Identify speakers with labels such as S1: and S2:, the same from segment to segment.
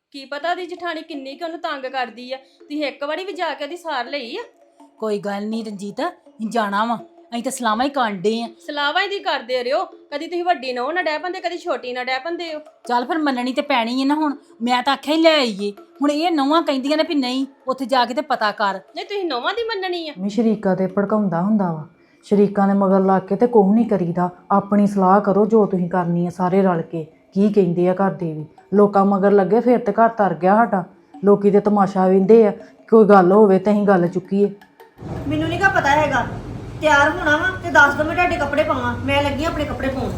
S1: ਕੀ ਪਤਾ ਉਹਦੀ ਜਠਾਣੀ ਕਿੰਨੀ ਕਿ ਉਹਨੂੰ ਤੰਗ ਕਰਦੀ ਆ। ਤੁਸੀਂ ਇੱਕ ਵਾਰੀ ਵੀ ਜਾ ਕੇ ਉਹਦੀ ਸਾਰ ਲਈ ਆ?
S2: ਕੋਈ ਗੱਲ ਨਹੀਂ ਰਣਜੀਤ, ਅਸੀਂ ਜਾਣਾ ਵਾ। ਅਸੀਂ ਤਾਂ ਸਲਾਮਾਂ ਹੀ ਕਾਂਡੇ ਆ।
S1: ਸਲਾਵਾਂ ਹੀ ਦੀ ਕਰਦੇ ਰਿਓ, ਕਦੀ ਤੁਸੀਂ ਵੱਡੀ ਨਹੁੰ ਨਾ ਡਹਿ ਪੰਦੇ, ਕਦੀ ਛੋਟੀ ਨਾ ਡਹਿ ਪੰਦੇ ਹੋ।
S2: ਚੱਲ ਫਿਰ ਮੰਨਣੀ ਤੇ ਪੈਣੀ ਹੈ ਨਾ। ਹੁਣ ਮੈਂ ਤਾਂ ਆਖਿਆ ਹੀ ਲੈ ਆਈਏ, ਹੁਣ ਇਹ ਨੌਵਾਂ ਕਹਿੰਦੀਆਂ ਨੇ ਵੀ ਨਹੀਂ ਉੱਥੇ ਜਾ ਕੇ ਤੇ ਪਤਾ ਕਰ।
S1: ਨਹੀਂ ਤੁਸੀਂ ਨਹੁੰਾਂ ਦੀ ਮੰਨਣੀ ਆ?
S3: ਮੈਂ ਸ਼ਰੀਕਾ ਤੇ ਭੜਕਾਉਂਦਾ ਹੁੰਦਾ ਵਾ। ਸ਼ਰੀਕਾਂ ਦੇ ਮਗਰ ਲੱਗ ਕੇ ਤੇ ਕੁਝ ਨਹੀਂ ਕਰੀਦਾ। ਆਪਣੀ ਸਲਾਹ ਕਰੋ ਜੋ ਤੁਸੀਂ ਕਰਨੀ ਹੈ, ਸਾਰੇ ਰਲ ਕੇ। ਕੀ ਕਹਿੰਦੇ ਆ ਘਰ ਦੇ ਵੀ, ਲੋਕਾਂ ਮਗਰ ਲੱਗੇ ਫਿਰ ਤੇ ਘਰ ਤਰ ਗਿਆ ਸਾਡਾ। ਲੋਕੀ ਤੇ ਤਮਾਸ਼ਾ ਵੇਂਦੇ ਆ, ਕੋਈ ਗੱਲ ਹੋਵੇ ਤੇ ਅਸੀਂ ਗੱਲ ਚੁੱਕੀਏ।
S4: ਮੈਨੂੰ ਨਹੀਂ ਪਤਾ ਹੈਗਾ। ਤਿਆਰ ਹੋਣਾ ਵਾ ਤੇ ਦੱਸ ਦੋ, ਮੈਂ ਤੁਹਾਡੇ ਕੱਪੜੇ ਪਾਵਾਂ। ਮੈਂ ਲੱਗੀ ਆਪਣੇ ਕੱਪੜੇ ਪਾਉਣ।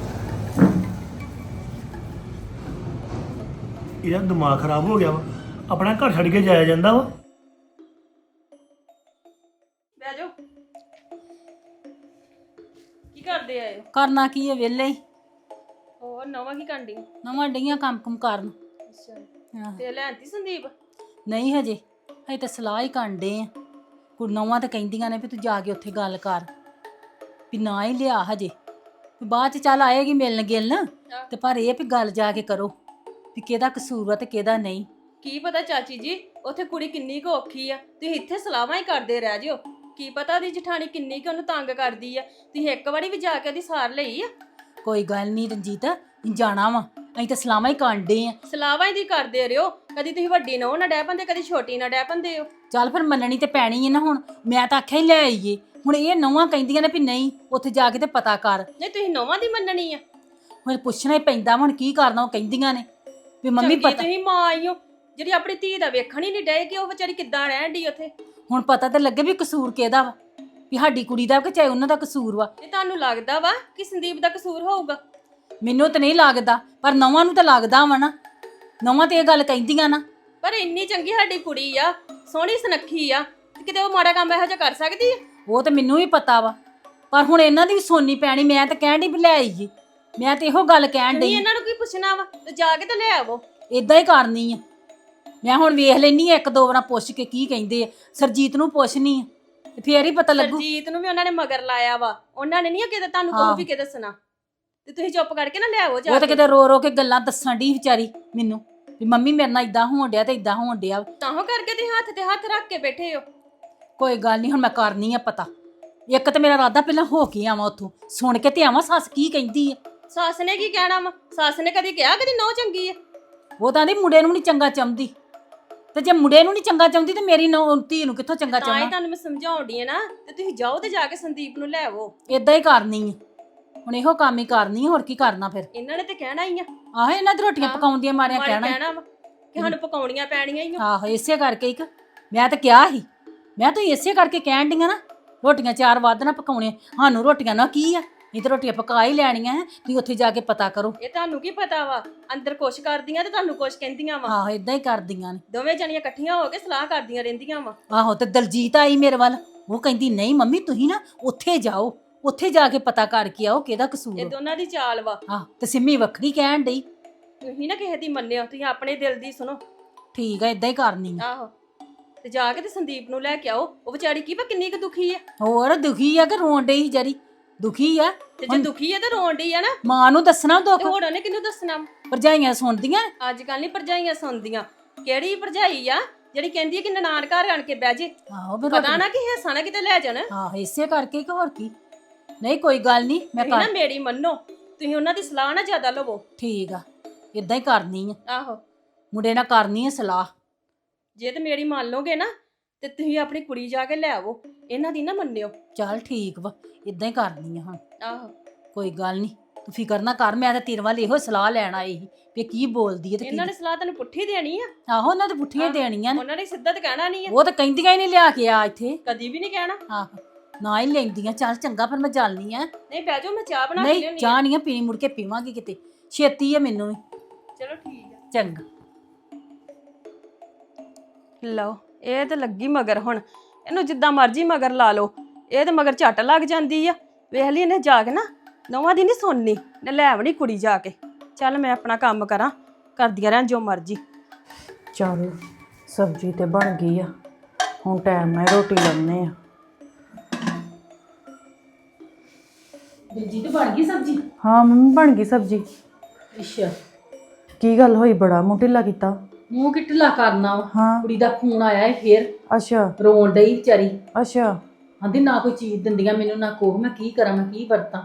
S5: ਇਹਦਾ ਦਿਮਾਗ ਖਰਾਬ ਹੋ ਗਿਆ ਵਾ। ਆਪਣਾ ਘਰ ਛੱਡ ਕੇ ਜਾਇਆ ਜਾਂਦਾ ਵਾ।
S1: ਬਹਿ ਜਾਓ। ਕੀ ਕਰਦੇ ਆਏ ਹੋ?
S2: ਕਰਨਾ ਕੀ ਹੈ, ਵਿਹਲੇ ਹੀ।
S1: ਹੋਰ ਨਵਾਂ ਕੀ ਕਾਂਡੀ?
S2: ਨਵਾਂ ਡਈਆਂ ਕੰਮ ਕੁਮ ਕਰਨ।
S1: ਅੱਛਾ,
S2: ਹਾਂ।
S1: ਤੇ ਲੈਂਦੀ ਸੰਦੀਪ?
S2: ਨਹੀਂ ਹਜੇ ਤਾਂ ਸਲਾਹ ਹੀ ਕਾਂਡੇ ਆ। ਕੁੜ ਨੌਵਾਂ ਤਾਂ ਕਹਿੰਦੀਆਂ ਨੇ ਵੀ ਤੂੰ ਜਾ ਕੇ ਉੱਥੇ ਗੱਲ ਕਰ, ਵੀ ਨਾ ਹੀ ਲਿਆ ਹਜੇ, ਵੀ ਬਾਅਦ ਚ ਚੱਲ ਆਏਗੀ ਮਿਲਣ ਗਿਲਣ, ਤੇ ਪਰ ਇਹ ਵੀ ਗੱਲ ਜਾ ਕੇ ਕਰੋ ਵੀ ਕਿਹਦਾ ਕਸੂਰ ਆ ਤੇ ਕਿਹਦਾ ਨਹੀਂ।
S1: ਕੀ ਪਤਾ ਚਾਚੀ ਜੀ ਉੱਥੇ ਕੁੜੀ ਕਿੰਨੀ ਕੁ ਔਖੀ ਆ, ਤੁਸੀਂ ਇੱਥੇ ਸਲਾਹਾਂ ਹੀ ਕਰਦੇ ਰਹਿ ਜਿਓ। ਕੀ ਪਤਾ ਉਹਦੀ ਜਠਾਣੀ ਕਿੰਨੀ ਕੁ ਉਹਨੂੰ ਤੰਗ ਕਰਦੀ ਆ। ਤੁਸੀਂ ਇੱਕ ਵਾਰੀ ਵੀ ਜਾ ਕੇ ਉਹਦੀ ਸਾਰ ਲਈ ਆ?
S2: ਕੋਈ ਗੱਲ ਨਹੀਂ ਰਣਜੀਤ, ਅਸੀਂ ਜਾਣਾ ਵਾ। ਅਸੀਂ ਤਾਂ ਸਲਾਮਾਂ ਹੀ ਕਾਂਡੇ ਆ।
S1: ਸਲਾਹਾਂ ਹੀ ਦੀ ਕਰਦੇ ਰਿਓ, ਕਦੀ ਤੁਸੀਂ ਵੱਡੀ ਨਹੁੰ ਨਾ ਡਹਿ ਪੰਦੇ, ਕਦੀ ਛੋਟੀ ਨਾ ਡਹਿ ਪੰਦੇ ਹੋ।
S2: ਚੱਲ ਫਿਰ ਮੰਨਣੀ ਤੇ ਪੈਣੀ ਹੈ ਨਾ। ਹੁਣ ਮੈਂ ਤਾਂ ਆਖਿਆ ਹੀ ਲੈ ਆਈਏ, ਹੁਣ ਇਹ ਨੌਵਾਂ ਕਹਿੰਦੀਆਂ ਨੇ ਵੀ ਨਹੀਂ ਉੱਥੇ ਜਾ ਕੇ ਤੇ ਪਤਾ ਕਰ।
S1: ਨਹੀਂ ਤੁਸੀਂ ਨਹੁੰਾਂ ਦੀ ਮੰਨਣੀ ਆ?
S2: ਹੁਣ ਪੁੱਛਣਾ ਹੀ ਪੈਂਦਾ, ਹੁਣ ਕੀ ਕਰਨਾ। ਉਹ ਕਹਿੰਦੀਆਂ ਨੇ ਵੀ ਮੰਮੀ
S1: ਚੰਗੀ
S2: ਪਤਾ,
S1: ਤੁਸੀਂ ਮਾਂ ਆਈਓ ਜਿਹੜੀ ਆਪਣੀ ਧੀ ਦਾ ਵੇਖਣ ਹੀ ਨਹੀਂ ਡਏ ਕਿ ਉਹ ਵਿਚਾਰੀ ਕਿੱਦਾਂ ਰਹਿਣ ਡਈ ਉੱਥੇ।
S2: ਹੁਣ ਪਤਾ ਤੇ ਲੱਗੇ ਵੀ ਕਸੂਰ ਕਿਹਦਾ ਵਾ, ਵੀ ਸਾਡੀ ਕੁੜੀ ਦਾ ਕਿ ਚਾਹੇ ਉਹਨਾਂ ਦਾ ਕਸੂਰ ਵਾ।
S1: ਇਹ ਤੁਹਾਨੂੰ ਲੱਗਦਾ ਵਾ ਕਿ ਸੰਦੀਪ ਦਾ ਕਸੂਰ ਹੋਊਗਾ?
S2: ਮੈਨੂੰ ਤਾਂ ਨਹੀਂ ਲੱਗਦਾ, ਪਰ ਨੌਵਾਂ ਨੂੰ ਤਾਂ ਲੱਗਦਾ ਵਾ ਨਾ। ਨੌਵਾਂ ਤੇ ਇਹ ਗੱਲ ਕਹਿੰਦੀਆਂ ਨਾ।
S1: ਪਰ ਇੰਨੀ ਚੰਗੀ ਸਾਡੀ ਕੁੜੀ ਆ, ਸੋਹਣੀ ਸੁਨੱਖੀ ਆ, ਤੇ ਕਿਤੇ ਉਹ ਮਾੜਾ ਕੰਮ ਇਹੋ ਜਿਹਾ ਕਰ ਸਕਦੀ ਆ?
S2: ਉਹ ਤਾਂ ਮੈਨੂੰ ਵੀ ਪਤਾ ਵਾ, ਪਰ ਹੁਣ ਇਹਨਾਂ ਦੀ ਵੀ ਸੁਣਨੀ ਪੈਣੀ। ਮੈਂ ਤਾਂ ਕਹਿਣ ਡਈ ਵੀ ਲੈ ਆਈਏ, ਮੈਂ ਤੇ ਇਹੋ ਗੱਲ ਕਹਿਣ
S1: ਨਹੀਂ
S2: ਡਈ।
S1: ਇਹਨਾਂ ਨੂੰ ਕੀ ਪੁੱਛਣਾ ਵਾ, ਤੇ ਜਾ ਕੇ ਤੇ ਲੈ ਆਵੋ।
S2: ਇਦਾਂ ਹੀ ਕਰਨੀ ਆ ਮੈਂ। ਹੁਣ ਵੇਖ ਲੈਣੀ ਆ ਇੱਕ ਦੋ ਵਾਰ ਪੁੱਛ ਕੇ ਕੀ ਕਹਿੰਦੇ ਆ। ਸਰਜੀਤ ਨੂੰ ਪੁੱਛਣੀ ਆ ਤੇ ਫੇਰ ਹੀ ਪਤਾ ਲੱਗੂ।
S1: ਸਰਜੀਤ ਨੂੰ ਵੀ ਉਹਨਾਂ ਨੇ ਮਗਰ ਲਾਇਆ ਵਾ, ਉਹਨਾਂ ਨੇ ਨਹੀਂ ਕਿਤੇ ਤੁਹਾਨੂੰ ਕੋਈ ਵੀ ਕਿ ਦੱਸਣਾ, ਤੇ ਤੁਸੀਂ ਚੁੱਪ ਕਰਕੇ ਨਾ ਲੈ ਆਵੋ ਜਾ
S2: ਉਹ ਤਾਂ
S1: ਕੇ।
S2: ਕਿਤੇ ਰੋ ਰੋ ਕੇ ਗੱਲਾਂ ਦੱਸਣ ਡਈ ਵਿਚਾਰੀ ਮੈਨੂੰ, ਵੀ ਮੰਮੀ ਮੇਰੇ ਨਾਲ ਇਦਾਂ ਹੋਣ ਡਿਆ ਤੇ ਇਦਾਂ ਹੋਣ ਡਿਆ।
S1: ਤਾਂਹੋ ਕਰਕੇ ਤੁਸੀਂ ਹੱਥ ਤੇ ਹੱਥ ਰੱਖ ਕੇ ਬੈਠੇ ਹੋ।
S2: ਕੋਈ ਗੱਲ ਨਹੀਂ, ਹੁਣ ਮੈਂ ਕਰਨੀ ਆ ਪਤਾ। ਇੱਕ ਤਾਂ ਮੇਰਾ ਇਰਾਦਾ ਪਹਿਲਾਂ ਹੋ ਕੇ ਆਵਾਂ ਉੱਥੋਂ, ਸੁਣ ਕੇ ਤੇ ਆਵਾਂ ਸੱਸ ਕੀ ਕਹਿੰਦੀ ਆ।
S1: ਸੱਸ ਨੇ ਕੀ ਕਹਿਣਾ ਵਾ? ਸੱਸ ਨੇ ਕਦੀ ਕਿਹਾ ਕਦੀ ਨਹੁੰ ਚੰਗੀ ਆ?
S2: ਉਹ ਤਾਂ ਆਂਦੀ ਮੁੰਡੇ ਨੂੰ ਨਹੀਂ ਚੰਗਾ ਚਾਹੁੰਦੀ, ਤੇ ਜੇ ਮੁੰਡੇ ਨੂੰ ਨਹੀਂ ਚੰਗਾ ਚਾਹੁੰਦੀ ਤੇ ਮੇਰੀ ਧੀ ਨੂੰ ਕਿੱਥੋਂ ਚੰਗਾ
S1: ਤਾਂ ਹੀ
S2: ਚਾਹਣਾ।
S1: ਤੁਹਾਨੂੰ ਮੈਂ ਸਮਝਾਉਣ ਡਈ ਆ ਨਾ, ਤੇ ਤੁਸੀਂ ਜਾਓ ਤੇ ਜਾ ਕੇ ਸੰਦੀਪ ਨੂੰ ਲੈ ਆਵੋ।
S2: ਇਦਾਂ ਹੀ ਕਰਨੀ ਆ ਹੁਣ, ਇਹੋ ਕੰਮ ਹੀ ਕਰਨੀ ਆ। ਹੋਰ ਕੀ ਕਰਨਾ ਫਿਰ?
S1: ਇਹਨਾਂ ਨੇ ਤੇ ਕਹਿਣਾ ਹੀ ਆ।
S2: ਆਹੋ, ਇਹਨਾਂ ਦੀ ਰੋਟੀਆਂ ਪਕਾਉਂਦੀਆਂ ਮਾਰਿਆਂ
S1: ਮਾਰੇ
S2: ਕਹਿਣਾ।
S1: ਕਹਿਣਾ ਵਾ ਕਿ ਸਾਨੂੰ ਪਕਾਉਣੀਆਂ ਪੈਣੀਆਂ ਹੀ ਆ।
S2: ਆਹੋ, ਇਸੇ ਕਰਕੇ ਇੱਕ ਮੈਂ ਤਾਂ ਕਿਹਾ ਸੀ, ਮੈਂ ਤਾਂ ਇਸੇ ਕਰਕੇ ਕਹਿਣ ਡੀਆਂ ਨਾ, ਰੋਟੀਆਂ 4 ਵੱਧ ਨਾ ਪਕਾਉਣੇ। ਸਾਨੂੰ ਰੋਟੀਆਂ ਨਾ ਕੀ ਆ, ਇਹ ਤਾਂ ਰੋਟੀਆਂ ਪਕਾ ਹੀ ਲੈਣੀਆਂ ਹੈ। ਤੁਸੀਂ ਉੱਥੇ ਜਾ ਕੇ ਪਤਾ ਕਰੋ।
S1: ਇਹ ਤੁਹਾਨੂੰ ਕੀ ਪਤਾ ਵਾ, ਅੰਦਰ ਕੁਛ ਕਰਦੀਆਂ ਤੇ ਤੁਹਾਨੂੰ ਕੁਛ ਕਹਿੰਦੀਆਂ ਵਾ।
S2: ਆਹੋ, ਇਦਾਂ ਹੀ ਕਰਦੀਆਂ ਨੇ।
S1: ਦੋਵੇਂ ਜਣੀਆਂ ਇਕੱਠੀਆਂ ਹੋ ਕੇ ਸਲਾਹ ਕਰਦੀਆਂ ਰਹਿੰਦੀਆਂ ਵਾ।
S2: ਆਹੋ, ਤੇ ਦਲਜੀਤ ਆਈ ਮੇਰੇ ਵੱਲ, ਉਹ ਕਹਿੰਦੀ ਨਹੀਂ ਮੰਮੀ ਤੁਸੀਂ ਨਾ ਉੱਥੇ ਜਾਓ, ਉੱਥੇ ਜਾ ਕੇ ਪਤਾ ਕਰਕੇ ਆਓ ਕਿਹਦਾ ਕਸੂਰ।
S1: ਇਹ ਦੋਨਾਂ ਦੀ ਚਾਲ ਵਾ।
S2: ਆਹ, ਤੇ ਸਿੰਮੀ ਵੱਖਰੀ ਕਹਿਣ ਡਈ।
S1: ਤੁਸੀਂ ਨਾ ਕਿਸੇ ਦੀ ਮੰਨਿਓ, ਤੁਸੀਂ ਆਪਣੇ ਦਿਲ ਦੀ ਸੁਣੋ।
S2: ਠੀਕ ਆ, ਇਦਾਂ ਹੀ ਕਰਨੀ ਆ।
S1: ਆਹੋ, ਤੇ ਜਾ ਕੇ ਤੇ ਸੰਦੀਪ ਨੂੰ ਲੈ ਕੇ ਆਓ। ਉਹ ਵਿਚਾਰੀ ਕੀ ਪਤਾ ਕਿੰਨੀ ਕੁ ਦੁਖੀ ਆ।
S2: ਹੋਰ ਦੁਖੀ ਆ ਕਿ ਰੋਣ ਡਈ ਸੀ ਜਰੀ? ਦੁਖੀ ਆ।
S1: ਤੇ ਜੇ ਦੁਖੀ ਆ ਤੇ ਰੋਣ ਡਈ ਆ ਨਾ,
S2: ਮਾਂ ਨੂੰ ਦੱਸਣਾ ਦੁੱਖ,
S1: ਤੇ ਹੋਰ ਉਹਨੇ ਕਿਹਨੂੰ ਦੱਸਣਾ?
S2: ਭਰਜਾਈਆਂ ਸੁਣਦੀਆਂ।
S1: ਅੱਜ ਕੱਲ ਨਹੀਂ ਭਰਜਾਈਆਂ ਸੁਣਦੀਆਂ। ਕਿਹੜੀ ਭਰਜਾਈ ਆ ਜਿਹੜੀ ਕਹਿੰਦੀ ਹੈ ਕਿ ਨਨਾਣ ਘਰ ਆਣ ਕੇ ਬਹਿ ਜੇ?
S2: ਆਹੋ, ਫਿਰ
S1: ਪਤਾ ਨਾ ਕਿ ਹਿੱਸਾ ਨਾ ਕਿਤੇ ਲੈ ਜਾਣ।
S2: ਆਹੋ, ਇਸੇ ਕਰਕੇ ਕਿ ਹੋਰ ਕੀ। ਨਹੀਂ ਕੋਈ ਗੱਲ ਨਹੀਂ, ਮੈਂ
S1: ਤੁਸੀਂ ਨਾ
S2: ਕਰ
S1: ਮੇਰੀ ਮੰਨੋ, ਤੁਸੀਂ ਉਹਨਾਂ ਦੀ ਸਲਾਹ ਨਾ ਜ਼ਿਆਦਾ ਲਵੋ।
S2: ਠੀਕ ਆ, ਇਦਾਂ ਹੀ ਕਰਨੀ ਆ।
S1: ਆਹੋ,
S2: ਮੁੰਡੇ ਨਾਲ ਕਰਨੀ ਆ ਸਲਾਹ।
S1: ਜੇ ਤੇ ਮੇਰੀ ਮੰਨ ਲਓਗੇ ਨਾ, ਤੇ ਤੁਸੀਂ ਆਪਣੀ ਕੁੜੀ ਜਾ ਕੇ ਲੈ ਆਵੋ, ਇਹਨਾਂ ਦੀ ਨਾ ਮੰਨਿਓ।
S2: ਚੱਲ ਠੀਕ ਵਾ, ਇਦਾਂ ਹੀ ਕਰਨੀ ਆ ਹੁਣ।
S1: ਆਹੋ,
S2: ਕੋਈ ਗੱਲ ਨਹੀਂ, ਤੂੰ ਫਿਕਰ ਨਾ ਕਰ। ਮੈਂ ਤਾਂ ਤੇਰੇ ਵੱਲ ਇਹੋ ਸਲਾਹ ਲੈਣ ਆਈ ਸੀ ਵੀ ਕੀ ਬੋਲਦੀ ਹੈ ਤੇ
S1: ਇਹਨਾਂ
S2: ਕੀ।
S1: ਨੇ ਸਲਾਹ ਤੈਨੂੰ ਪੁੱਠੀ ਦੇਣੀ ਆ।
S2: ਆਹੋ, ਉਹਨਾਂ ਦੇ ਪੁੱਠੀਆਂ ਦੇਣੀਆਂ ਨੇ।
S1: ਉਹਨਾਂ ਨੇ ਸਿੱਧਾ ਤੇ ਕਹਿਣਾ ਨਹੀਂ ਆ,
S2: ਉਹ ਤਾਂ ਕਹਿੰਦੀਆਂ ਹੀ ਨਹੀਂ ਲਿਆ ਕੇ ਆ ਇੱਥੇ।
S1: ਕਦੀ ਵੀ ਨਹੀਂ ਕਹਿਣਾ।
S2: ਆਹੋ, ਨਾ ਹੀ ਲੈਂਦੀਆਂ। ਚੱਲ ਚੰਗਾ, ਫਿਰ ਮੈਂ ਚੱਲਨੀ ਆ।
S1: ਨਹੀਂ ਬਹਿ ਜਾਓ, ਮੈਂ ਚਾਹ ਬਣਾ ਕੇ
S2: ਨਹੀਂ,
S1: ਲਿਆਉਣੀ ਆ।
S2: ਚਾਹ ਨਹੀਂ ਆ ਪੀਣੀ, ਮੁੜ ਕੇ ਪੀਵਾਂਗੇ ਕਿਤੇ। ਛੇਤੀ ਆ ਮੈਨੂੰ ਵੀ।
S1: ਚਲੋ ਠੀਕ ਆ।
S2: ਚੰਗਾ।
S1: ਲਓ, ਇਹ ਤੇ ਲੱਗੀ ਮਗਰ। ਹੁਣ ਇਹਨੂੰ ਜਿੱਦਾਂ ਮਰਜ਼ੀ ਮਗਰ ਲਾ ਲਓ, ਇਹ ਤੇ ਮਗਰ ਝੱਟ ਲੱਗ ਜਾਂਦੀ ਆ। ਵੇਖ ਲਈ ਇਹਨੇ ਜਾ ਕੇ ਨਾ ਨੌਵਾਂ ਦੀ ਨਹੀਂ ਸੁਣਨੀ, ਨੇ ਲੈ ਆਵਣੀ ਕੁੜੀ ਜਾ ਕੇ। ਚੱਲ ਮੈਂ ਆਪਣਾ ਕੰਮ ਕਰਾਂ, ਕਰਦੀਆਂ ਰਹਿਣ ਜੋ ਮਰਜ਼ੀ।
S3: ਚੱਲ ਸਬਜ਼ੀ ਤੇ ਬਣ ਗਈ ਆ, ਹੁਣ ਟਾਈਮ ਨਾਲ ਰੋਟੀ ਲਾਉਣੇ ਆ।
S2: ਦਿਲਜੀਤ ਬਣ ਗਈ ਸਬਜ਼ੀ?
S3: ਹਾਂ ਮੰਮੀ, ਬਣ ਗਈ ਸਬਜ਼ੀ।
S2: ਅੱਛਾ,
S3: ਕੀ ਗੱਲ ਹੋਈ, ਬੜਾ ਮੂੰਹ ਢਿੱਲਾ ਕੀਤਾ?
S2: ਮੂੰਹ ਕਿ ਢਿੱਲਾ ਕਰਨਾ ਵਾ।
S3: ਹਾਂ
S2: ਕੁੜੀ ਦਾ ਫੋਨ ਆਇਆ ਏ ਫੇਰ
S3: ਅੱਛਾ
S2: ਰੋਣ ਡਈ ਵਿਚਾਰੀ।
S3: ਅੱਛਾ
S2: ਆਂਦੀ ਨਾ ਕੋਈ ਚੀਜ਼ ਦਿੰਦੀਆਂ ਮੈਨੂੰ ਨਾ ਕੋਹ, ਮੈਂ ਕੀ ਕਰਾਂ, ਮੈਂ ਕੀ ਵਰਤਾਂ।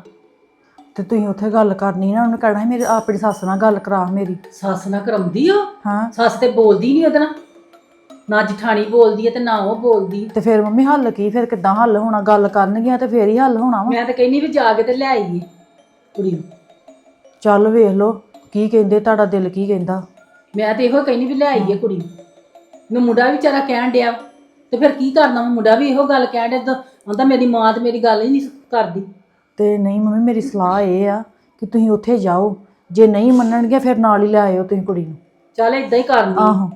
S3: ਤੇ ਤੁਸੀਂ ਉੱਥੇ ਗੱਲ ਕਰਨੀ ਨਾ, ਉਹਨੇ ਕਹਿਣਾ ਸੀ ਮੇਰੀ ਆਪਣੀ ਸੱਸ ਨਾਲ ਗੱਲ ਕਰਾ ਮੇਰੀ।
S2: ਸੱਸ ਨਾਲ ਕਰਾਉਂਦੀ ਉਹ,
S3: ਹਾਂ
S2: ਸੱਸ ਤੇ ਬੋਲਦੀ ਨਹੀਂ ਉਹਦੇ ਨਾਲ, ਨਾ ਜਠਾਣੀ ਬੋਲਦੀ ਹੈ ਤੇ ਨਾ ਉਹ ਬੋਲਦੀ।
S3: ਤੇ ਫਿਰ ਮੰਮੀ ਹੱਲ ਕੀ, ਫਿਰ ਕਿੱਦਾਂ ਹੱਲ ਹੋਣਾ? ਗੱਲ ਕਰਨਗੀਆਂ ਤੇ ਫੇਰ ਹੀ ਹੱਲ ਹੋਣਾ ਵਾ।
S2: ਮੈਂ ਤਾਂ ਕਹਿੰਦੀ ਵੀ ਜਾ ਕੇ ਤੇ ਲੈ ਆਈਏ ਕੁੜੀ ਨੂੰ।
S3: ਚੱਲ ਵੇਖ ਲਓ ਕੀ ਕਹਿੰਦੇ, ਤੁਹਾਡਾ ਦਿਲ ਕੀ ਕਹਿੰਦਾ।
S2: ਮੈਂ ਤੇ ਇਹੋ ਕਹਿੰਦੀ ਵੀ ਲੈ ਆਈਏ ਕੁੜੀ ਨੂੰ। ਮੈਂ ਮੁੰਡਾ ਵੀ ਵਿਚਾਰਾ ਕਹਿਣ ਡਿਆ ਤੇ ਫਿਰ ਕੀ ਕਰਨਾ, ਮੈਂ ਮੁੰਡਾ ਵੀ ਇਹੋ ਗੱਲ ਕਹਿਣ ਡਿਆ, ਆਂਦਾ ਮੇਰੀ ਮਾਂ ਤੇ ਮੇਰੀ ਗੱਲ ਹੀ ਨਹੀਂ ਕਰਦੀ।
S3: ਤੇ ਨਹੀਂ ਮੰਮੀ ਮੇਰੀ ਸਲਾਹ ਇਹ ਆ ਕਿ ਤੁਸੀਂ ਉੱਥੇ ਜਾਓ, ਜੇ ਨਹੀਂ ਮੰਨਣਗੇ ਫਿਰ ਨਾਲ ਹੀ ਲੈ ਆਇਓ ਤੁਸੀਂ ਕੁੜੀ ਨੂੰ।
S2: ਚੱਲ ਏਦਾਂ ਹੀ ਕਰਦੀ।
S3: ਆਹੋ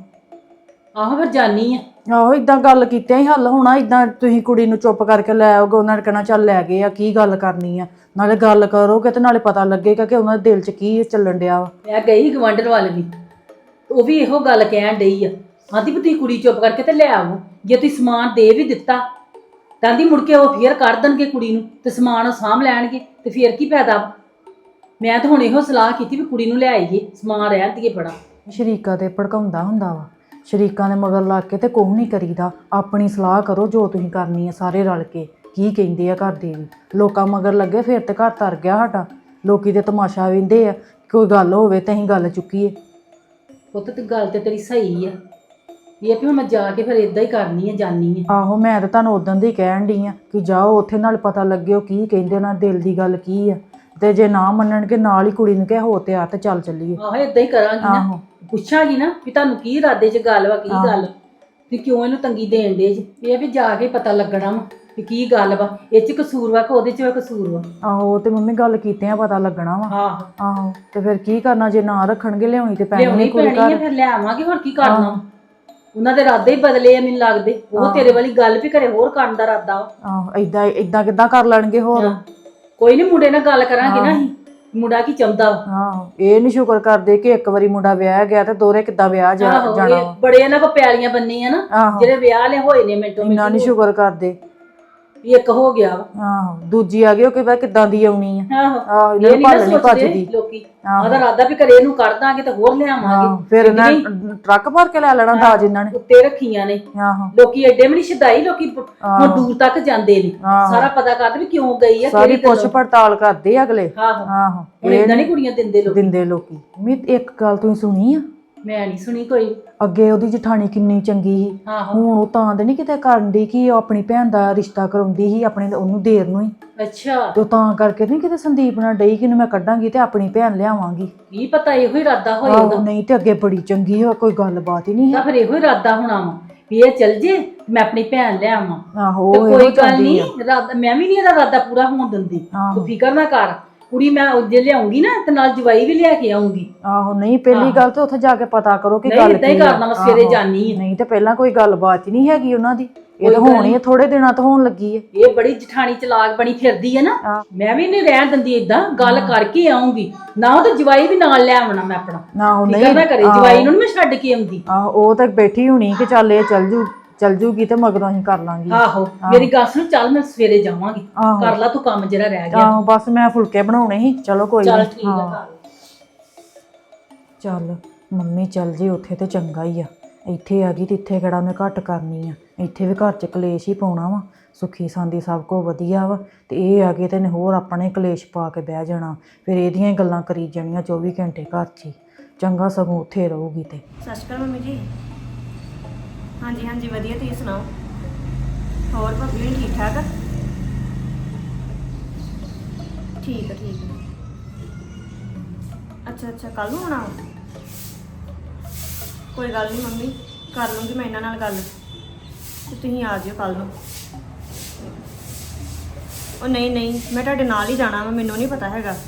S2: ਆਹੋ ਫਿਰ ਜਾਨੀ ਆ।
S3: ਆਹੋ ਇਦਾਂ ਗੱਲ ਕੀਤਿਆਂ ਹੀ ਹੱਲ ਹੋਣਾ, ਇਦਾਂ ਤੁਸੀਂ ਕੁੜੀ ਨੂੰ ਚੁੱਪ ਕਰਕੇ ਲੈ ਆਓਗੇ, ਉਹਨਾਂ ਨੇ ਕਹਿਣਾ ਚੱਲ ਲੈ ਗਏ ਆ, ਕੀ ਗੱਲ ਕਰਨੀ ਆ। ਨਾਲੇ ਗੱਲ ਕਰੋਗੇ ਤੇ ਨਾਲੇ ਪਤਾ ਲੱਗੇਗਾ ਕਿ ਉਹਨਾਂ ਦੇ ਦਿਲ 'ਚ ਕੀ ਚੱਲਣ ਡਿਆ ਵਾ।
S2: ਮੈਂ ਗਈ ਗਵਾਂਢਣ ਵੱਲ ਵੀ, ਉਹ ਵੀ ਇਹੋ ਗੱਲ ਕਹਿਣ ਡਈ ਆ। ਆਂਦੀ ਵੀ ਤੁਸੀਂ ਕੁੜੀ ਚੁੱਪ ਕਰਕੇ ਤੇ ਲੈ ਆਵੋ, ਜੇ ਤੁਸੀਂ ਸਮਾਨ ਦੇ ਵੀ ਦਿੱਤਾ ਤਾਂ ਆਂਦੀ ਮੁੜ ਕੇ ਉਹ ਫੇਰ ਕੱਢ ਦੇਣਗੇ ਕੁੜੀ ਨੂੰ ਤੇ ਸਮਾਨ ਉਹ ਸਾਂਭ ਲੈਣਗੇ ਤੇ ਫੇਰ ਕੀ ਫਾਇਦਾ। ਮੈਂ ਤਾਂ ਹੁਣ ਇਹੋ ਸਲਾਹ ਕੀਤੀ ਵੀ ਕੁੜੀ ਨੂੰ ਲੈ ਆਈਏ, ਸਮਾਨ ਰਹਿਣ ਦੀਏ ਬੜਾ।
S3: ਸ਼ਰੀਕਾ ਤੇ ਭੜਕਾਉਂਦਾ ਹੁੰਦਾ ਵਾ, ਸ਼ਰੀਕਾਂ ਦੇ ਮਗਰ ਲੱਗ ਕੇ ਤੇ ਕੁਛ ਨਹੀਂ ਕਰੀਦਾ। ਆਪਣੀ ਸਲਾਹ ਕਰੋ ਜੋ ਤੁਸੀਂ ਕਰਨੀ ਹੈ ਸਾਰੇ ਰਲ ਕੇ। ਕੀ ਕਹਿੰਦੇ ਆ ਘਰ ਦੇ ਵੀ, ਲੋਕਾਂ ਮਗਰ ਲੱਗੇ ਫਿਰ ਤੇ ਘਰ ਤਰ ਗਿਆ ਸਾਡਾ। ਲੋਕੀ ਦੇ ਤਮਾਸ਼ਾ ਵੇਂਦੇ ਆ, ਕੋਈ ਗੱਲ ਹੋਵੇ ਤੇ ਅਸੀਂ ਗੱਲ ਚੁੱਕੀਏ।
S2: ਪੁੱਤ ਤੇ ਗੱਲ ਤੇ ਤੇਰੀ ਸਹੀ ਆ, ਇਹ ਵੀ ਹੁਣ ਮੈਂ ਜਾ ਕੇ ਫਿਰ ਇਦਾਂ ਹੀ ਕਰਨੀ ਆ, ਜਾਨੀ ਆ।
S3: ਆਹੋ ਮੈਂ ਤਾਂ ਤੁਹਾਨੂੰ ਉਦੋਂ ਦੀ ਕਹਿਣ ਡਈ ਆ ਕਿ ਜਾਓ ਉੱਥੇ, ਨਾਲ ਪਤਾ ਲੱਗਿਓ ਕੀ ਕਹਿੰਦੇ, ਉਹਨਾਂ ਦਿਲ ਦੀ ਗੱਲ ਕੀ ਆ। ਤੇ ਜੇ ਨਾ ਮੰਨਣਗੇ ਨਾਲ ਹੀ ਕੁੜੀ ਨੂੰ ਕਹਿ ਹੋ ਤਿਆਰ ਤੇ ਚੱਲ ਚੱਲੀਏ।
S2: ਆਹੋ ਏਦਾਂ ਹੀ ਕਰਾਂਗੀ ਨਾ,
S3: ਆਹੋ
S2: ਪੁੱਛਾਂਗੀ ਨਾ ਵੀ ਤੁਹਾਨੂੰ ਕੀ ਇਰਾਦੇ 'ਚ ਗੱਲ ਵਾ, ਕੀ ਗੱਲ ਵੀ ਕਿਉਂ ਇਹਨੂੰ ਤੰਗੀ ਦੇਣ ਦੇ ਜੀ। ਇਹ ਵੀ ਜਾ ਕੇ ਪਤਾ ਲੱਗਣਾ ਵਾ ਵੀ ਕੀ ਗੱਲ ਵਾ, ਇਹ 'ਚ ਕਸੂਰ ਵਾ ਕਿ ਉਹਦੇ 'ਚ ਕਸੂਰ ਵਾ।
S3: ਆਹੋ ਤੇ ਮੰਮੀ ਗੱਲ ਕੀਤਿਆਂ ਪਤਾ ਲੱਗਣਾ ਵਾ।
S2: ਆਹੋ
S3: ਆਹੋ ਤੇ ਫਿਰ ਕੀ ਕਰਨਾ, ਜੇ ਨਾ ਰੱਖਣਗੇ ਲਿਆਉਣੀ ਤੇ ਪੈਣੀ
S2: ਲਿਆਉਣੀ
S3: ਨਹੀਂ ਕੁੜੀ
S2: ਪੈਣੀ ਆ,
S3: ਘਰ।
S2: ਫਿਰ ਲੈ ਆਵਾਂਗੇ, ਹੋਰ ਕੀ ਕਰਨਾ ਵਾ। ਉਹਨਾਂ ਦੇ ਇਰਾਦੇ ਹੀ ਬਦਲੇ ਆ ਮੈਨੂੰ ਲੱਗਦੇ। ਉਹ ਤੇਰੇ ਵਾਲੀ ਗੱਲ ਵੀ ਘਰੇ ਹੋਰ ਕਰਨ ਦਾ ਇਰਾਦਾ ਵਾ।
S3: ਆਹੋ ਏਦਾਂ ਕਿੱਦਾਂ ਕਰ ਲੈਣਗੇ ਹੋਰ।
S2: ਕੋਈ ਨਹੀਂ, ਮੁੰਡੇ ਨਾਲ ਗੱਲ ਕਰਾਂਗੇ ਨਾ ਅਸੀਂ, ਮੁੰਡਾ ਕੀ ਚਾਹੁੰਦਾ ਵਾ।
S3: ਆਹੋ ਇਹ ਨਹੀਂ ਸ਼ੁਕਰ ਕਰਦੇ ਕਿ ਇੱਕ ਵਾਰੀ ਮੁੰਡਾ ਵਿਆਹ ਗਿਆ ਤੇ ਦੋਹਰੇ ਕਿੱਦਾਂ ਵਿਆਹ ਜਾਣਾ
S2: ਇਹ
S3: ਵਾ।
S2: ਬੜੇ ਇਹਨਾਂ ਕੋ ਪਿਆਲੀਆਂ ਬੰਨੀਆਂ ਨਾ,
S3: ਆਹੋ
S2: ਜਿਹੜੇ ਵਿਆਹ ਲੈ ਹੋਏ ਨੇ ਮਿੰਟੋ
S3: ਇੰਨਾ ਨਹੀਂ ਸ਼ੁਕਰ ਕਰਦੇ।
S2: ਵੀ ਇੱਕ ਹੋ ਗਿਆ ਵਾ।
S3: ਆਹੋ ਦੂਜੀ ਆ ਗਈ, ਉਹ ਕਿਵੇਂ ਕਿੱਦਾਂ ਦੀ ਆਉਣੀ ਆ।
S2: ਆਹੋ
S3: ਆਹੋ ਇਹਨਾਂ
S2: ਇਹ
S3: ਨੂੰ
S2: ਨਹੀਂ
S3: ਭੱਲ
S2: ਨਾ
S3: ਨਹੀਂ
S2: ਸੋਚਦੇ
S3: ਭੱਜਦੀ।
S2: ਲੋਕੀ, ਆਦਾ ਇਰਾਦਾ ਵੀ ਘਰੇ ਇਹਨੂੰ ਕੱਢ ਦਾਂਗੇ ਤੇ ਹੋਰ ਲਿਆਵਾਂਗੇ।
S3: ਫਿਰ ਇਹਨਾਂ ਟਰੱਕ ਭਰ ਕੇ ਲੈ ਲੈਣਾ ਦਾਜ ਇਹਨਾਂ ਨੇ।
S2: ਉੱਤੇ ਰੱਖੀਆਂ ਨੇ
S3: ਆਹੋ
S2: ਲੋਕੀ, ਐਡੇ ਵੀ ਨਹੀਂ ਸ਼ਦਾਈ ਲੋਕੀ, ਹੁਣ ਦੂਰ ਤੱਕ ਜਾਂਦੇ ਨੇ, ਸਾਰਾ ਪਤਾ ਕਰਦੇ ਵੀ ਕਿਉਂ ਗਈ ਆ,
S3: ਸਾਰੀ ਪੁੱਛ ਪੜਤਾਲ ਕਰਦੇ ਆ ਅਗਲੇ।
S2: ਆਹੋ
S3: ਆਹੋ
S2: ਹੁਣ ਏਦਾਂ ਨਹੀਂ ਕੁੜੀਆਂ ਦਿੰਦੇ ਲੋਕ।
S3: ਦਿੰਦੇ ਲੋਕੀ। ਮੀ ਇੱਕ ਗੱਲ ਤੁਸੀਂ ਸੁਣੀ ਆ,
S2: ਮੈਂ ਨਹੀਂ ਸੁਣੀ ਕੋਈ।
S3: ਅੱਗੇ ਉਹਦੀ ਜਠਾਣੀ ਕਿੰਨੀ ਚੰਗੀ ਸੀ,
S2: ਆਹੋ
S3: ਹੁਣ ਉਹ ਤਾਂ ਦੇ ਨਹੀਂ ਕਿਤੇ ਕਰਨ ਦੀ ਕਿ ਉਹ ਆਪਣੀ ਭੈਣ ਦਾ ਰਿਸ਼ਤਾ ਕਰਾਉਂਦੀ ਸੀ ਆਪਣੇ ਉਹਨੂੰ ਦੇਰ ਨੂੰ ਹੀ।
S2: ਅੱਛਾ,
S3: ਤੇ ਉਹ ਤਾਂ ਕਰਕੇ ਨਹੀਂ ਕਿਤੇ ਸੰਦੀਪ ਨਾਲ ਡਈ ਕਿ ਮੈਂ ਕੱਢਾਂਗੀ ਤੇ ਆਪਣੀ ਭੈਣ ਲਿਆਵਾਂਗੀ।
S2: ਕੀ ਪਤਾ ਇਹੋ ਹੀ ਇਰਾਦਾ ਹੋਏ
S3: ਆਹੋ
S2: ਉਹਦਾ।
S3: ਨਹੀਂ ਤੇ ਅੱਗੇ ਬੜੀ ਚੰਗੀ ਹੋ, ਕੋਈ ਗੱਲਬਾਤ ਹੀ ਨਹੀਂ
S2: ਤਾਂ
S3: ਹੈ।
S2: ਫਿਰ ਇਹੋ ਹੀ ਇਰਾਦਾ ਹੋਣਾ ਵਾ ਵੀ ਇਹ ਚੱਲ ਜੇ ਮੈਂ ਆਪਣੀ ਭੈਣ ਲੈ ਆਵਾਂ।
S3: ਆਹੋ
S2: ਤੇ
S3: ਉਹ
S2: ਕੋਈ
S3: ਇਹੋ
S2: ਗੱਲ
S3: ਚਾਹੁੰਦੀ
S2: ਨਹੀਂ,
S3: ਆ।
S2: ਇਰਾਦਾ ਮੈਂ ਵੀ ਨਹੀਂ ਇਹਦਾ ਇਰਾਦਾ ਪੂਰਾ ਹੋਣ ਦਿੰਦੀ।
S3: ਆਹੋ।
S2: ਤੂੰ ਫਿਕਰ ਨਾ ਕਰ, ਕੁੜੀ ਮੈਂ ਜੇ ਲਿਆਉਂਗੀ ਨਾ ਤੇ ਨਾਲ ਜਵਾਈ ਵੀ ਲਿਆ ਕੇ ਆਉਂਗੀ।
S3: ਆਹੋ ਨਹੀਂ ਪਹਿਲੀ ਗੱਲ ਤੇ ਉੱਥੇ ਜਾ ਕੇ ਪਤਾ ਕਰੋ ਕਿ
S2: ਨਹੀਂ
S3: ਗੱਲ
S2: ਏਦਾਂ ਹੀ
S3: ਕੀ ਆ।
S2: ਕਰਨਾ, ਮੈਂ ਸਵੇਰੇ ਜਾਨੀ ਆ।
S3: ਨਹੀਂ ਤੇ ਪਹਿਲਾਂ ਕੋਈ ਗੱਲਬਾਤ ਹੀ ਨਹੀਂ ਹੈਗੀ ਉਹਨਾਂ ਦੀ, ਇਹ ਤਾਂ ਹੋਣੀ ਹੈ ਥੋੜੇ ਦਿਨਾਂ ਤੋਂ ਹੋਣ ਲੱਗੀ ਹੈ।
S2: ਇਹ ਬੜੀ ਜਠਾਣੀ ਚਲਾਕ ਬਣੀ ਫਿਰਦੀ ਹੈ ਨਾ, ਮੈਂ ਵੀ ਨਹੀਂ ਰਹਿਣ ਦਿੰਦੀ, ਏਦਾਂ ਗੱਲ ਕਰਕੇ ਆਉਂਗੀ ਨਾ। ਉਹ ਤੇ ਜਵਾਈ ਵੀ ਨਾਲ ਲੈ ਆਉਣਾ ਮੈਂ ਆਪਣਾ,
S3: ਨਾ ਉਹ
S2: ਫਿਕਰ
S3: ਨਹੀਂ
S2: ਨਾ ਕਰੇ, ਜਵਾਈ ਨੂੰ ਨੀ ਮੈਂ ਛੱਡ ਕੇ ਆਉਂਦੀ।
S3: ਆਹੋ ਉਹ ਤਾਂ ਬੈਠੀ ਹੋਣੀ ਕਿ ਚੱਲ ਇਹ ਚੱਲ ਜੂਗੀ ਤੇ ਮਗਰੋਂ ਅਸੀਂ ਕਰ ਲਾਂਗੇ।
S2: ਆਹੋ ਮੇਰੀ ਗੱਲ ਸੁਣ, ਚੱਲ ਮੈਂ ਸਵੇਰੇ ਜਾਵਾਂਗੀ,
S3: ਆਹੋ।
S2: ਕਰ ਲਾ ਤੂੰ ਕੰਮ ਜਿਹੜਾ ਰਹਿ ਗਿਆ।
S3: ਆਹੋ ਬਸ ਮੈਂ ਫੁਲਕੇ ਬਣਾਉਣੇ ਸੀ, ਚਲੋ ਕੋਈ
S2: ਚੱਲ
S3: ਨਹੀਂ।
S2: ਠੀਕ ਆ, ਕਰ।
S3: ਚੱਲ ਮੰਮੀ ਚੱਲ ਜੀ ਉੱਥੇ ਤੇ ਚੰਗਾ ਹੀ ਆ, ਇੱਥੇ ਆ ਗਈ ਤੇ ਇੱਥੇ ਕਿਹੜਾ ਉਹਨੇ ਘੱਟ ਕਰਨੀ ਆ। ਇੱਥੇ ਵੀ ਘਰ 'ਚ ਕਲੇਸ਼ ਹੀ ਪਾਉਣਾ ਵਾ। ਸੁੱਖੀ ਸਾਂਦੀ ਸਭ ਕੁਝ ਵਧੀਆ ਵਾ ਤੇ ਇਹ ਆ ਗਏ ਤੇ ਨੇ ਹੋਰ ਆਪਣੇ ਕਲੇਸ਼ ਪਾ ਕੇ ਬਹਿ ਜਾਣਾ। ਫਿਰ ਇਹਦੀਆਂ ਹੀ ਗੱਲਾਂ ਕਰੀ ਜਾਣੀਆਂ 24 ਘੰਟੇ ਘਰ 'ਚ ਹੀ। ਚੰਗਾ ਸਗੋਂ ਉੱਥੇ ਰਹੂਗੀ ਤੇ।
S4: ਸਤਿ ਸ਼੍ਰੀ ਅਕਾਲ ਮੰਮੀ ਜੀ। ਹਾਂਜੀ ਹਾਂਜੀ ਵਧੀਆ, ਤੁਸੀਂ ਸੁਣਾਓ? ਹੋਰ ਭਾਬੀ ਹੋਣੀ ਠੀਕ ਠਾਕ ਆ? ਠੀਕ ਆ ਠੀਕ ਆ। ਅੱਛਾ ਅੱਛਾ, ਕੱਲ ਨੂੰ ਆਉਣਾ ਵਾ? ਕੋਈ ਗੱਲ ਨਹੀਂ ਮੰਮੀ, ਕਰ ਲੂੰਗੀ ਮੈਂ ਇਹਨਾਂ ਨਾਲ ਗੱਲ ਤੇ ਤੁਸੀਂ ਆ ਜਿਓ ਕੱਲ ਨੂੰ। ਉਹ ਨਹੀਂ ਨਹੀਂ, ਮੈਂ ਤੁਹਾਡੇ ਨਾਲ ਹੀ ਜਾਣਾ ਵਾ, ਮੈਨੂੰ ਨਹੀਂ ਪਤਾ ਹੈਗਾ।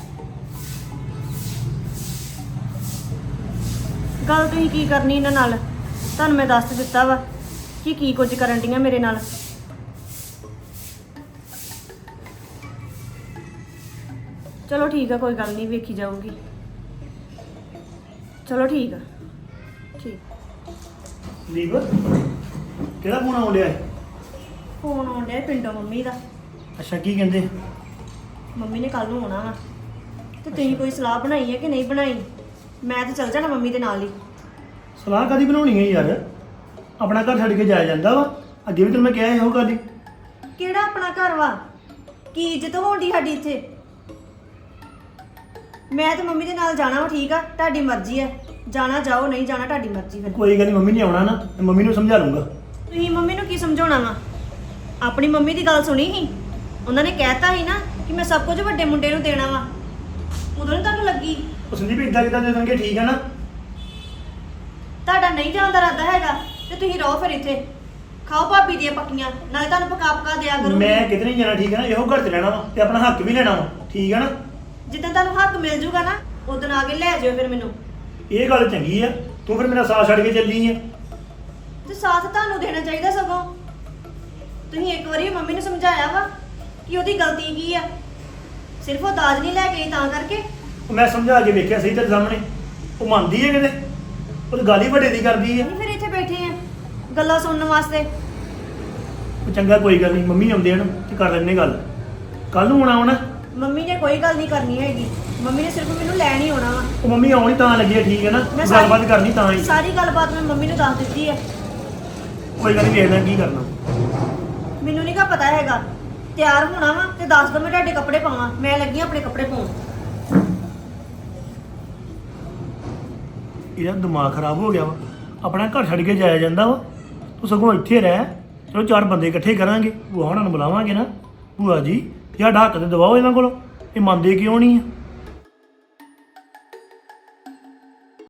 S4: ਗੱਲ ਤੁਸੀਂ ਕੀ ਕਰਨੀ ਇਹਨਾਂ ਨਾਲ, ਤੁਹਾਨੂੰ ਮੈਂ ਦੱਸ ਦਿੱਤਾ ਵਾ ਕਿ ਕੀ ਕੁਝ ਕਰਨ ਡੀਆਂ ਮੇਰੇ ਨਾਲ। ਚਲੋ ਠੀਕ ਆ, ਕੋਈ ਗੱਲ ਨਹੀਂ, ਵੇਖੀ ਜਾਊਗੀ। ਚਲੋ ਠੀਕ ਆ, ਠੀਕ।
S5: ਲੀਵ ਕਿਹੜਾ ਫੋਨ ਆਉਣ ਡਿਆ ਹੈ?
S4: ਫੋਨ ਆਉਣ ਡਿਆ ਪਿੰਡੋਂ ਮੰਮੀ ਦਾ।
S5: ਅੱਛਾ ਕੀ ਕਹਿੰਦੇ?
S4: ਮੰਮੀ ਨੇ ਕੱਲ ਨੂੰ ਆਉਣਾ ਵਾ ਤੇ ਤੁਸੀਂ ਕੋਈ ਸਲਾਹ ਬਣਾਈ ਹੈ ਕਿ ਨਹੀਂ ਬਣਾਈ? ਮੈਂ ਤਾਂ ਚੱਲ ਜਾਣਾ ਮੰਮੀ ਦੇ ਨਾਲ ਹੀ।
S5: ਸਲਾਹ ਕਦੀ ਬਣਾਉਣੀ ਹੈ ਯਾਰ? ਆਪਣਾ ਘਰ ਛੱਡ ਕੇ ਜਾਇਆ ਜਾਂਦਾ ਵਾ। ਅੱਗੇ ਵੀ ਤੈਨੂੰ ਮੈਂ ਕਿਹਾ ਇਹੋ ਗੱਲ ਹੀ।
S4: ਕਿਹੜਾ ਆਪਣਾ ਘਰ ਵਾ? ਕੀ ਇੱਜ਼ਤ ਹੋਣੀ ਸਾਡੀ ਇੱਥੇ? ਮੈਂ ਤੇ ਮੰਮੀ ਦੇ ਨਾਲ ਜਾਣਾ ਵਾ, ਠੀਕ ਆ? ਤੁਹਾਡੀ ਮਰਜ਼ੀ ਹੈ, ਜਾਣਾ ਜਾਓ, ਨਹੀਂ ਜਾਣਾ ਤੁਹਾਡੀ ਮਰਜ਼ੀ। ਫਿਰ
S5: ਕੋਈ ਗੱਲ ਨਹੀਂ, ਮੰਮੀ ਨੇ ਆਉਣਾ ਨਾ, ਤੇ ਮੰਮੀ ਨੂੰ ਸਮਝਾ ਲੂੰਗਾ।
S4: ਤੁਸੀਂ ਮੰਮੀ ਨੂੰ ਕੀ ਸਮਝਾਉਣਾ ਵਾ? ਆਪਣੀ ਮੰਮੀ ਦੀ ਗੱਲ ਸੁਣੀ ਸੀ, ਉਹਨਾਂ ਨੇ ਕਹਿਤਾ ਸੀ ਨਾ ਕਿ ਮੈਂ ਸਭ ਕੁਝ ਵੱਡੇ ਮੁੰਡੇ ਨੂੰ ਦੇਣਾ ਵਾ। ਉਦੋਂ ਨੀ ਤੁਹਾਨੂੰ ਲੱਗੀ?
S5: ਉਹ ਸੰਦੀਪ ਇਦਾਂ ਕਿਦਾਂ ਦੇ ਦੇਣਗੇ, ਠੀਕ ਹੈ ਨਾ?
S4: ਤੁਹਾਡਾ ਨਹੀਂ ਜਾਣ ਦਾ ਇਰਾਦਾ ਹੈਗਾ ਤੇ ਤੁਸੀਂ ਰਹੋ ਫਿਰ ਇੱਥੇ, ਖਾਓ ਭਾਬੀ ਦੀਆਂ ਪੱਕੀਆਂ, ਨਾਲੇ ਤੁਹਾਨੂੰ ਪਕਾ ਪਕਾ ਦਿਆ ਕਰੂੰਗੀ।
S5: ਮੈਂ ਕਿਤੇ ਨਹੀਂ ਜਾਣਾ, ਠੀਕ ਹੈ ਨਾ? ਇਹੋ ਘਰ 'ਚ ਰਹਿਣਾ ਵਾ ਤੇ ਆਪਣਾ ਹੱਕ ਵੀ ਲੈਣਾ ਵਾ, ਠੀਕ ਹੈ ਨਾ?
S4: ਜਿੱਦਾਂ ਤੁਹਾਨੂੰ ਹੱਕ ਮਿਲ ਜੂਗਾ ਨਾ, ਉਦੋਂ ਆ ਕੇ ਲੈ ਜਾਇਓ ਫਿਰ ਮੈਨੂੰ।
S5: ਇਹ ਗੱਲ ਚੰਗੀ ਆ, ਤੂੰ ਫਿਰ ਮੇਰਾ ਸਾਥ ਛੱਡ ਕੇ ਚੱਲੀ ਆ।
S4: ਤੇ ਸਾਥ ਤੁਹਾਨੂੰ ਦੇਣਾ ਚਾਹੀਦਾ ਸਗੋਂ। ਤੁਸੀਂ ਇੱਕ ਵਾਰੀ ਮੰਮੀ ਨੂੰ ਸਮਝਾਇਆ ਵਾ ਕਿ ਉਹਦੀ ਗਲਤੀ ਕੀ ਆ? ਸਿਰਫ ਉਹ ਦਾਜ ਨਹੀਂ ਲੈ ਕੇ ਆਈ ਤਾਂ ਕਰਕੇ।
S5: ਉਹ ਮੈਂ ਸਮਝਾ ਕੇ ਵੇਖਿਆ ਸਹੀ ਤੇਰੇ ਸਾਹਮਣੇ, ਉਹ ਮੰਨਦੀ ਹੈ ਕਿਤੇ? ਉਹ ਤਾਂ ਗੱਲ ਹੀ ਵੱਡੇ ਦੀ ਕਰਦੀ ਆ।
S4: ਨਹੀਂ ਫਿਰ ਇੱਥੇ ਬੈਠੇ ਆ ਗੱਲਾਂ ਸੁਣਨ ਵਾਸਤੇ।
S5: ਉਹ ਚੰਗਾ, ਕੋਈ ਗੱਲ ਨਹੀਂ, ਮੰਮੀ ਆਉਂਦੇ ਹਨ ਤੇ ਕਰ ਲੈਣੇ ਗੱਲ। ਕੱਲ ਨੂੰ ਆਉਣਾ।
S4: ਮੰਮੀ ਨੇ ਕੋਈ ਗੱਲ ਨਹੀਂ ਕਰਨੀ ਹੈਗੀ, ਮੰਮੀ ਨੇ ਸਿਰਫ ਮੈਨੂੰ ਲੈਣ ਹੀ ਆਉਣਾ ਵਾ।
S5: ਉਹ ਮੰਮੀ ਆਉਣੀ ਤਾਂ ਲੱਗੀ ਆ, ਠੀਕ ਹੈ ਨਾ?
S4: ਮੈਂ ਸਾਰੀ-
S5: ਗੱਲਬਾਤ ਕਰਨੀ ਤਾਂ ਹੀ।
S4: ਸਾਰੀ ਗੱਲਬਾਤ ਮੈਂ ਮੰਮੀ ਨੂੰ ਦੱਸ ਦਿੱਤੀ ਹੈ।
S5: ਕੋਈ ਗੱਲ ਨਹੀਂ, ਵੇਖ ਲੈ ਕੀ ਕਰਨਾ।
S4: ਮੈਨੂੰ ਨਹੀਂ ਕਾ ਪਤਾ ਹੈਗਾ। ਤਿਆਰ ਹੋਣਾ ਵਾ ਤੇ ਦੱਸ ਦੋ, ਮੈਂ ਤੁਹਾਡੇ ਕੱਪੜੇ ਪਾਵਾਂ। ਮੈਂ ਲੱਗੀ ਆਂ ਆਪਣੇ ਕੱਪੜੇ ਪਾਉਣ।
S5: ਇਹਦਾ ਦਿਮਾਗ ਖਰਾਬ ਹੋ ਗਿਆ ਵਾ। ਆਪਣਾ ਘਰ ਛੱਡ ਕੇ ਜਾਇਆ ਜਾਂਦਾ ਵਾ, ਤੂੰ ਸਗੋਂ ਇੱਥੇ ਰਹਿ। ਚਲੋ 4 ਬੰਦੇ ਇਕੱਠੇ ਕਰਾਂਗੇ, ਭੂਆ ਹੋਣਾ ਨੂੰ ਬੁਲਾਵਾਂਗੇ ਨਾ, ਭੂਆ ਜੀ ਸਾਡਾ ਹੱਕ ਤੇ ਦਵਾਓ ਇਹਨਾਂ ਕੋਲੋਂ। ਇਹ ਮੰਨਦੇ ਕਿਉਂ ਨਹੀਂ ਆ?